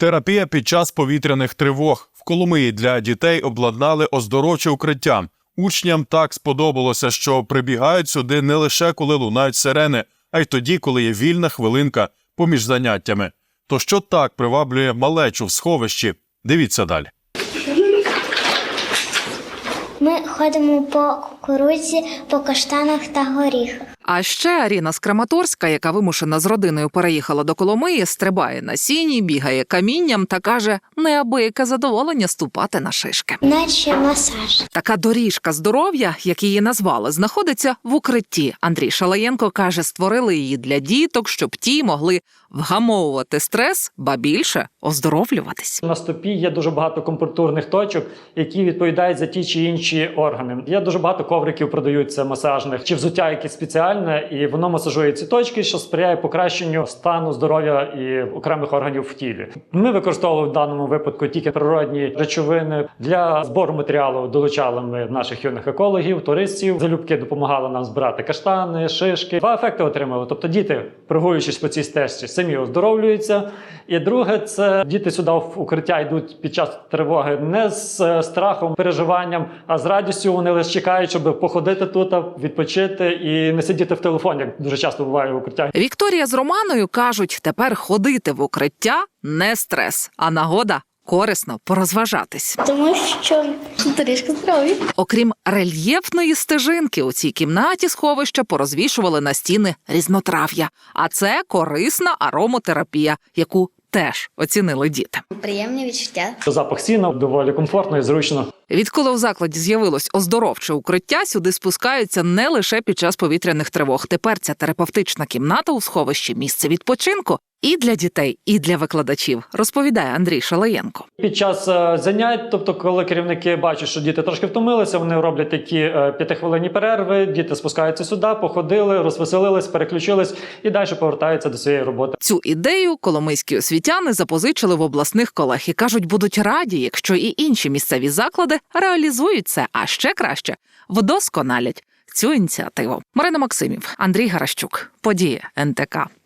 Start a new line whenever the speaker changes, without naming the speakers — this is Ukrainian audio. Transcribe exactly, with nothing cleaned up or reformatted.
Терапія під час повітряних тривог. В Коломиї для дітей обладнали оздоровче укриття. Учням так сподобалося, що прибігають сюди не лише коли лунають сирени, а й тоді, коли є вільна хвилинка поміж заняттями. То що так приваблює малечу в сховищі? Дивіться далі.
Ми ходимо по кукурудзі, по каштанах та горіхах.
А ще Аріна з Краматорська, яка вимушена з родиною переїхала до Коломиї, стрибає на сіні, бігає камінням та каже, неабияке задоволення ступати на шишки.
Наче масаж.
Така доріжка здоров'я, як її назвали, знаходиться в укритті. Андрій Шалаєнко каже, створили її для діток, щоб ті могли вгамовувати стрес, ба більше оздоровлюватись.
На стопі є дуже багато компортурних точок, які відповідають за ті чи інші органи. Є дуже багато ковриків продаються масажних, чи взуття якесь спеціальне, і воно масажує ці точки, що сприяє покращенню стану здоров'я і окремих органів в тілі. Ми використовували в даному випадку тільки природні речовини. Для збору матеріалу долучали ми наших юних екологів, туристів. Залюбки допомагали нам збирати каштани, шишки. Два ефекти отримали. Тобто діти, прогулюючись по цій стежці, самі оздоровлюються. І друге, це діти сюди в укриття йдуть під час тривоги не з страхом, переживанням, а з радістю. Вони лише чекають, щоб походити тут, відпочити і не сидіти в телефоні, як дуже часто буває в укриттях.
Вікторія з Романою кажуть, тепер ходити в укриття – не стрес, а нагода корисно порозважатись.
Тому що доріжка здоров'я.
Окрім рельєфної стежинки, у цій кімнаті сховища порозвішували на стіни різнотрав'я. А це корисна аромотерапія, яку теж оцінили діти.
Приємне відчуття.
Запах сіна доволі комфортно і зручно.
Відколи в закладі з'явилось оздоровче укриття, сюди спускаються не лише під час повітряних тривог. Тепер ця терапевтична кімната у сховищі – місце відпочинку і для дітей, і для викладачів, розповідає Андрій Шалаєнко.
Під час е, занять, тобто коли керівники бачать, що діти трошки втомилися, вони роблять такі е, п'ятихвилинні перерви, діти спускаються сюди, походили, розвеселились, переключились і далі повертаються до своєї роботи.
Цю ідею коломийські освітяни запозичили в обласних колег і кажуть, будуть раді, якщо і інші місцеві заклади реалізують це, а ще краще – вдосконалять цю ініціативу. Марина Максимів, Андрій Гаращук. Події ен те ка.